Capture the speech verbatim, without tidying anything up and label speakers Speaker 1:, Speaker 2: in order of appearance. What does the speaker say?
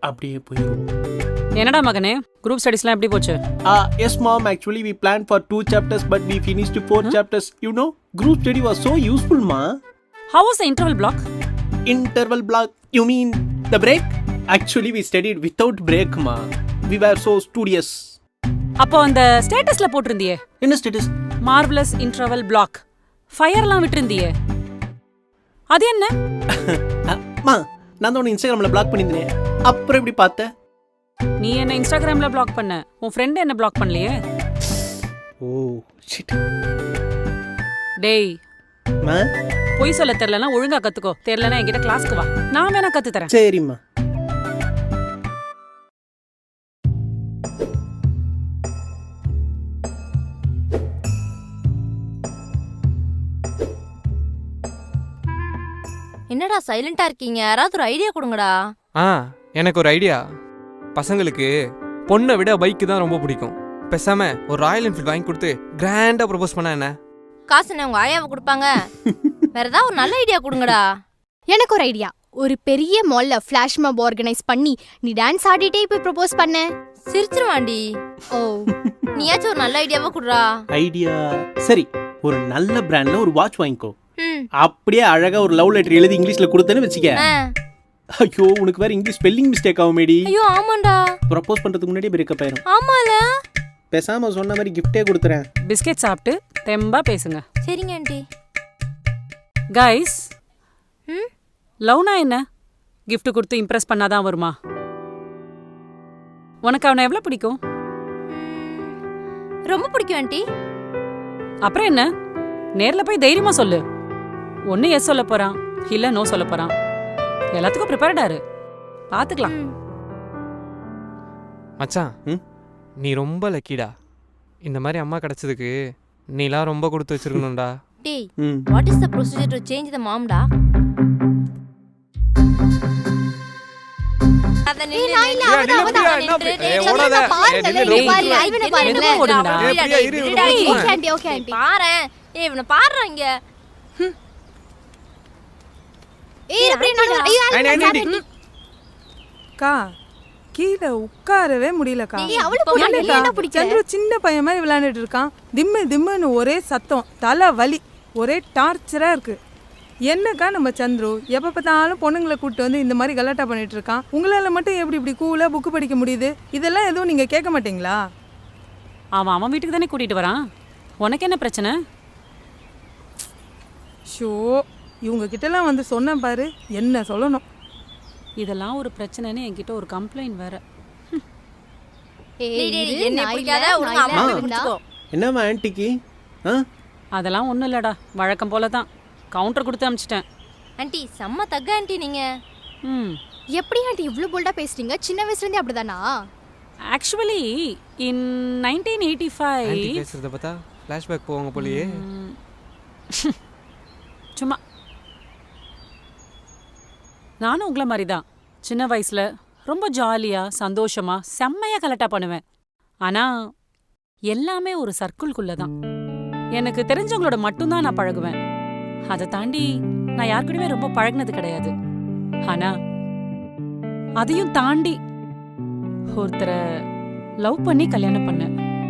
Speaker 1: அப்படியே போயிடும்.
Speaker 2: என்னடா மகனே, குரூப் ஸ்டடீஸ்லாம் எப்படி போச்சு?
Speaker 1: Ah, yes, mom. Actually, we planned for two chapters, but we finished four huh? chapters. You know, group study was so useful, ma.
Speaker 2: How was the interval block?
Speaker 1: Interval block? You mean the break? Actually, we studied without break, ma. We were so studious.
Speaker 2: அப்போ அந்த ஸ்டேட்டஸ்ல போட்டிருந்தியே,
Speaker 1: என்ன status?
Speaker 2: Marvellous interval block. ஃபயர்லாம் விட்டுருந்தியே, அது என்ன?
Speaker 1: மா, நான் தான் உன்னை இன்ஸ்டாகிராம்ல பிளாக் பண்ணியிருந்தேன். அப்புறம் எப்படி பார்த்த?
Speaker 2: நீ என்ன இன்ஸ்டாகிராம்ல பிளாக் பண்ண, உன் ஃப்ரெண்ட் என்ன பிளாக் பண்ணலையே?
Speaker 1: Oh shit.
Speaker 2: டேய்
Speaker 1: மா,
Speaker 2: பொய் சொல்ல தெரியலனா ஒழுங்கா கத்துக்கோ. தெரியலனா என்கிட்ட கிளாஸ்க்கு வா, நான் வேணா கத்து தரேன்.
Speaker 1: சரிம்மா.
Speaker 3: என்னடா சைலண்டா இருக்கீங்க? யாராவது ஒரு ஐடியா கொடுங்கடா.
Speaker 4: ஆ, எனக்கு ஒரு ஐடியா. பசங்களுக்கு பொண்ணை விட பைக்கு தான் ரொம்ப பிடிக்கும். பேசாம ஒரு ராயல் என்ஃபீல்ட் வாங்கி கொடுத்து கிராண்டா ப்ரொபோஸ் பண்ணா என்ன?
Speaker 3: காசு என்ன உங்க ஆயாவை கொடுப்பாங்க? வேற ஏதாவது ஒரு நல்ல ஐடியா கொடுங்கடா.
Speaker 5: எனக்கு ஒரு ஐடியா. ஒரு பெரிய மால்ல ஃபிளாஷ் மாப் ஆர்கனைஸ் பண்ணி நீ டான்ஸ் ஆடிட்டே போய் ப்ரொபோஸ் பண்ண.
Speaker 3: சிரிச்சிருவாண்டி. ஓ, நீயாச்சும் ஒரு நல்ல ஐடியாவா குடுறா.
Speaker 1: ஐடியா சரி, ஒரு நல்ல பிராண்ட்ல ஒரு வாட்ச் வாங்கிக்கோ.
Speaker 3: ம்,
Speaker 1: அப்படியே அழகா ஒரு லவ் லெட்டர் எழுதி இங்கிலீஷ்ல கொடுத்தேன்னு வெச்சுக்க.
Speaker 3: ஆ.
Speaker 1: ஐயோ, உனக்கு வேற இங்கிலீஷ் ஸ்பெல்லிங் மிஸ்டேக் ஆகுமேடி.
Speaker 3: ஐயோ ஆமாண்டா.
Speaker 1: ப்ரப்போஸ் பண்றதுக்கு முன்னாடி பிரேக்கப் ஆயிரும்.
Speaker 3: ஆமால.
Speaker 1: பேசாம சொன்ன மாதிரி கிஃப்டே கொடுத்துறேன்.
Speaker 2: பிஸ்கெட் சாப்பிட்டு தெம்பா பேசுங்க.
Speaker 3: சரிங்க ஆண்டி.
Speaker 2: கைஸ்,
Speaker 3: ம்,
Speaker 2: லவ்னா என்ன? கிஃப்ட் கொடுத்து இம்ப்ரெஸ் பண்ணாதான் வருமா? உனக்கு அவனை எவ்வளவு பிடிக்கும்?
Speaker 3: ரொம்ப பிடிக்கும் ஆண்டி.
Speaker 2: அப்புறம் என்ன, நேர்ல போய் தைரியமா சொல்லு. ஒன்னு எஸ் சொல்ல போறான், இல்ல நோ சொல்ல போறான். எல்லாத்துக்கும் ப்ரிப்பேர்டா இரு, பாத்துக்கலாம்.
Speaker 4: மச்சான்,
Speaker 1: ம்?
Speaker 4: நீ ரொம்ப லக்கிடா. இந்த மாதிரி அம்மா கிடைச்சதுக்கு நீலாம் ரொம்ப கொடுத்து வச்சிருக்கணும்டா.
Speaker 3: டேய்,
Speaker 1: ம்.
Speaker 3: What is the procedure to change the மாம்டா? அத
Speaker 5: ஏய், நான் இல்ல, அவ தான், அவ தான்.
Speaker 4: ஏய், ஓடாத.
Speaker 5: பாருங்க,
Speaker 4: ஏய்,
Speaker 5: இவனை பாரு, இவனை பாருங்க.
Speaker 2: மெதுவா ஓடுங்கடா.
Speaker 4: ஏய், பிரியா, இரு, இரு,
Speaker 5: ஏய்,
Speaker 4: இரு.
Speaker 5: Okay aunty, okay aunty.
Speaker 3: பாரேன். ஏய், இவனை பாருடா இங்க.
Speaker 5: ஏய், அப்படியே நான் ஐயோ,
Speaker 4: ஆண்டி, ஆண்டி, ஆண்டி.
Speaker 6: அக்கா, கீழே உட்காரவே முடியலக்கா.
Speaker 5: ஏய், அவளை பிடிக்கல,
Speaker 6: என்னக்கா,
Speaker 5: என்ன பிடிக்கல?
Speaker 6: சந்துரு சின்ன பையன் மாதிரி விளையாண்டுட்டு இருக்கான். திம்மு திம்முன்னு ஒரே சத்தம், தலை வலி, ஒரே டார்ச்சரா இருக்கு. என்னக்கா நம்ம சந்துரு எப்ப பார்த்தாலும் பொண்ணுங்களை கூப்பிட்டு வந்து இந்த மாதிரி கலாட்டா பண்ணிட்டு இருக்கான். உங்களால மட்டும் எப்படி இப்படி கூலா புக்கு படிக்க முடியுது? இதெல்லாம் எதுவும் நீங்க கேட்க மாட்டீங்களா?
Speaker 2: அவன் அவன் வீட்டுக்கு தானே கூட்டிட்டு வரான், உனக்கு என்ன பிரச்சனை?
Speaker 6: ஷோ, இவங்க கிட்டலாம் வந்து சொன்ன பாரு, என்ன சொல்லணும்.
Speaker 2: இதெல்லாம் ஒரு பிரச்சனைன்னு என்கிட்ட ஒரு கம்ப்ளைண்ட் வேற.
Speaker 5: ஏய்,
Speaker 3: டேய், டேய்,
Speaker 5: இரு,
Speaker 3: என்ன
Speaker 5: நான்
Speaker 3: பிடிக்காத
Speaker 5: இல்ல,
Speaker 3: ஒழுங்கா
Speaker 5: நான்
Speaker 3: அம்மா
Speaker 5: இல்ல,
Speaker 3: பிடிச்சுக்கோ.
Speaker 1: என்னம்மா ஆன்ட்டிக்கு? ஆ?
Speaker 2: அதெல்லாம் ஒன்றும் இல்லடா, வழக்கம் போல தான். கவுண்டர் கொடுத்து அனுப்பிச்சிட்டேன்.
Speaker 3: ஆண்டி செம்ம தக்க ஆண்டி நீங்க.
Speaker 2: ம்,
Speaker 5: எப்படி ஆண்டி இவ்ளோ போல்டா பேசுறீங்க? சின்ன வயசுல இருந்தே அப்படிதானா?
Speaker 2: Actually in nineteen eighty five
Speaker 4: aunty பேசுறத பார்த்தா ஃப்ளாஷ்பேக் போவாங்க போலயே.
Speaker 2: சும்மா நானும் உங்களை மாதிரி தான். சின்ன வயசுல ரொம்ப ஜாலியா சந்தோஷமா செம்மையா கலட்டா பண்ணுவேன். ஆனா எல்லாமே ஒரு சர்க்கிள்குள்ள தான். எனக்கு தெரிஞ்சவங்களோட மட்டும்தான் நான் பழகுவேன். அதை தாண்டி நான் யாருக்கூடவே ரொம்ப பழகினது கிடையாது. ஆனா அதையும் தாண்டி ஒருத்தரை லவ் பண்ணி கல்யாணம் பண்ணேன்.